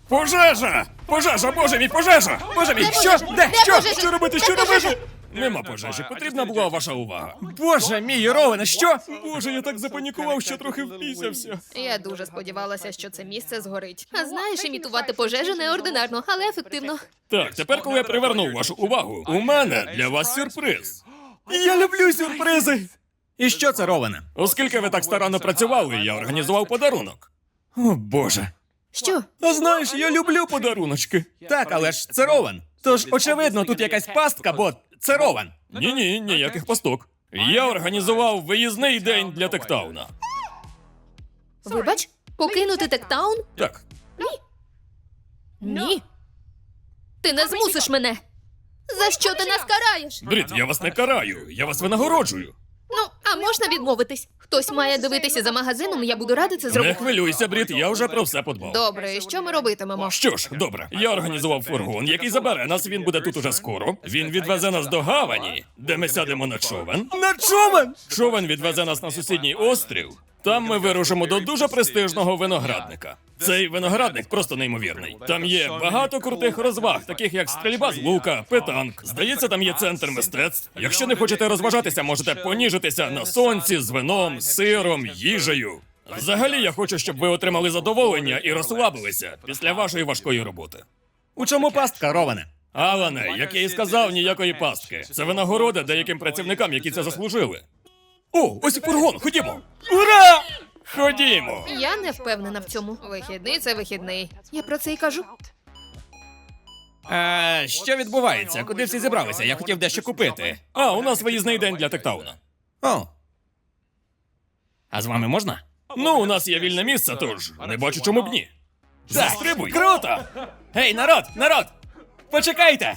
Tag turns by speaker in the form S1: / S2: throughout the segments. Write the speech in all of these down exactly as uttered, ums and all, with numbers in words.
S1: Пожежа! Пожежа, боже мій, пожежа! Боже мій, що? Де? Що?
S2: пожежа?
S1: Що робити?
S2: Де
S1: Що робити?
S2: пожежа?
S1: Нема пожежі, потрібна була ваша увага. Боже мій, Ровене, що? Боже, я так запанікував, що трохи впісявся.
S2: Я дуже сподівалася, що це місце згорить. А знаєш, імітувати пожежу неординарно, але ефективно.
S1: Так, тепер, коли я привернув вашу увагу, у мене для вас сюрприз. Я люблю сюрпризи. І що це, Ровене? Оскільки ви так старанно працювали, я організував подарунок. О, Боже.
S2: Що?
S1: А знаєш, я люблю подаруночки. Так, але ж це Ровен. Тож, очевидно, тут якась пастка, бо це Ровен. Ні-ні, ніяких пасток. Я організував виїзний день для Тектауна.
S2: Вибач, покинути Тектаун?
S1: Так,
S2: Ні. Ти не змусиш мене. За що ти нас караєш?
S1: Брід, я вас не караю, я вас винагороджую.
S2: Ну, а можна відмовитись? Хтось має дивитися за магазином, я буду рада це
S1: Не
S2: зробити.
S1: хвилюйся, Брід, я вже про все подбав.
S2: Добре, і що ми робитимемо?
S1: Що ж, добре, я організував фургон, який забере нас, він буде тут уже скоро. Він відвезе нас до гавані, де ми сядемо на човен. На човен? Човен відвезе нас на сусідній острів. Там ми вирушимо до дуже престижного виноградника. Цей виноградник просто неймовірний. Там є багато крутих розваг, таких як стрільба з лука, питанк. Здається, там є центр мистецтв. Якщо не хочете розважатися, можете поніжитися на сонці з вином, сиром, їжею. Взагалі, я хочу, щоб ви отримали задоволення і розслабилися після вашої важкої роботи. У чому пастка, Ровене? Алане, як я і сказав, ніякої пастки. Це винагорода деяким працівникам, які це заслужили. О, ось і фургон, ходімо! Ура! Ходімо!
S2: Я не впевнена в цьому. Вихідний це вихідний. Я про це і кажу.
S1: А, що відбувається? Куди всі зібралися? Я хотів дещо купити. А, у нас виїзний день для Тектауна. О. А з вами можна? Ну, у нас є вільне місце, тож не бачу, чому б ні. Застрибуй! Круто! Гей, народ, народ! Почекайте!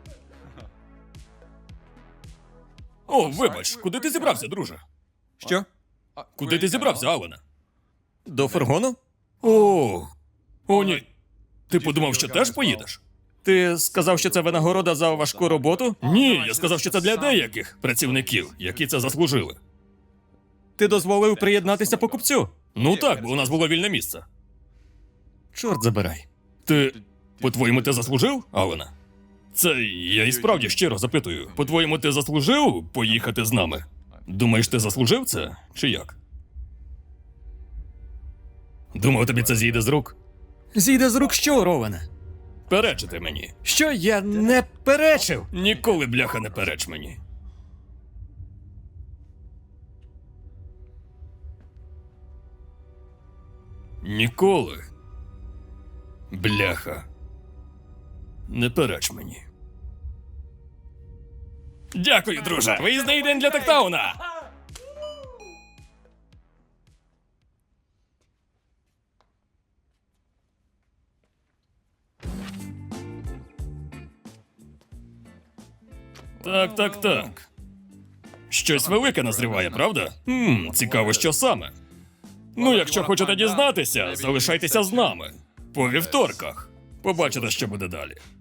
S1: О, вибач, куди ти зібрався, друже? Що? Куди ти зібрався, Алене? До фургону? О, о, ні. Ти подумав, що теж поїдеш? Ти сказав, що це винагорода за важку роботу? Ні, я сказав, що це для деяких працівників, які це заслужили. Ти дозволив приєднатися покупцю? Ну так, бо у нас було вільне місце. Чорт забирай. Ти, по-твоєму, ти заслужив, Алена? Це я і справді щиро запитую. По-твоєму, ти заслужив поїхати з нами? Думаєш, ти заслужив це, чи як? Думав, тобі це зійде з рук? Зійде з рук що, Ровене? Перечити мені. Що я не перечив? Ніколи, бляха, не переч мені. Ніколи. Бляха. Не переч мені. Дякую, друже. Виїзний день для Тектауна. Так, так, так. Щось велике назріває, правда? Хм, цікаво, що саме. Ну, якщо хочете дізнатися, залишайтеся з нами. По вівторках. Побачите, що буде далі.